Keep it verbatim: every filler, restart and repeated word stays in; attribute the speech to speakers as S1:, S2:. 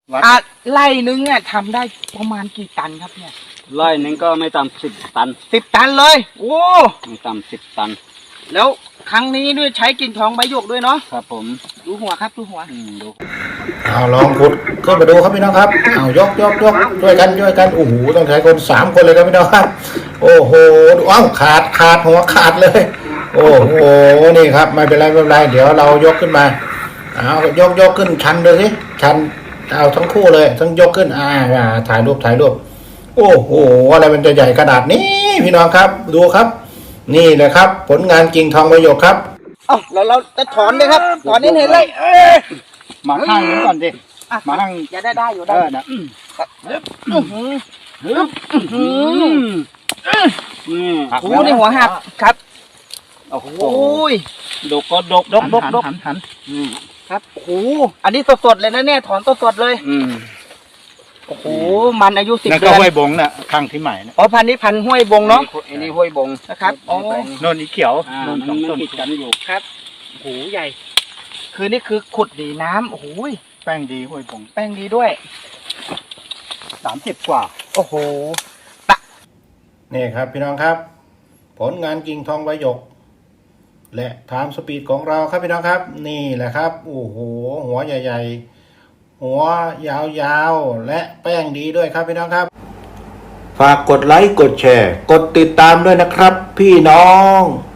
S1: อ่ะไร่นึงเนี่ยทำได้ประมาณกี่ตันครับเนี่ย
S2: ไร่นึงก็ไม่ต่ำสิบตัน
S1: สิบตันเลยโอ้
S2: ไม่ต่ำสิบตัน
S1: แล้วครั้งนี้ด้วยใช้กิ่งทองใบหยกด้วยเนาะ
S2: ครับผม
S1: ดูหัวครับดูหัว
S2: ดู
S3: เอาลองขุดขึ้นมาดูครับพี่น้องครับเอายกยกยกช่วยกันช่วยกันโอ้โหต้องใช้คนสามคนเลยครับพี่น้องครับโอ้โหดูอ้าวขาดขาดหัวขาดเลยโอ้โหนี่ครับไม่เป็นไรไม่เป็นไรเดี๋ยวเรายกขึ้นมาเอายกยกขึ้นชันเลยสิชันเอาทั้งคู่เลยทั้งยกขึ้นอ่าถ่ายรูปถ่ายรูปโอ้โหอะไรมันจะใหญ่ขนาดนี้พี่น้องครับดูครับนี่แหละครับผลงานกิ่งทองใบหยกครับ
S1: เอ้าเราเราจะถอนเลยครับถอนเห็นเห็นเลย
S2: มาข้างนี้ก่อนดิมาข้าง
S1: จะได้ได้อยู่ได้
S2: นะ
S1: ฮึบฮึบฮึบ
S2: นี่
S1: โอ้ในหัวหักครับ
S2: โอ้โหดกก็ดก
S1: ดกดกดกหันครับโอ้โหอันนี้สดๆเลยนะเนี่ยถอนสดๆเลย
S2: อืม
S1: โอ้โหมันอายุสิบเดือน
S2: แล้วก็ห้วยบงน่ะข้างที่ใหม่นะ
S1: อ๋อพันนี้พันห้วยบงเนาะ
S2: อันนี้ห้วยบง
S1: นะครับอ๋อ
S2: โน่นอีเขียวโน่นสองต้นกันอยู่
S1: ครับโอ้โหใหญ่คือนี่คือขุดดีน้ำโอ้โห
S2: แป้งดีห้วยบง
S1: แป้งดีด้วย
S2: สามสิบกว่า
S1: โอ้โห
S3: นี่ครับพี่น้องครับผลงานกิ่งทองใบหยกและไทม์สปีดของเราครับพี่น้องครับนี่แหละครับโอ้โหหัวใหญ่ๆหัวยาวๆและแป้งดีด้วยครับพี่น้องครับฝากกดไลค์กดแชร์กดติดตามด้วยนะครับพี่น้อง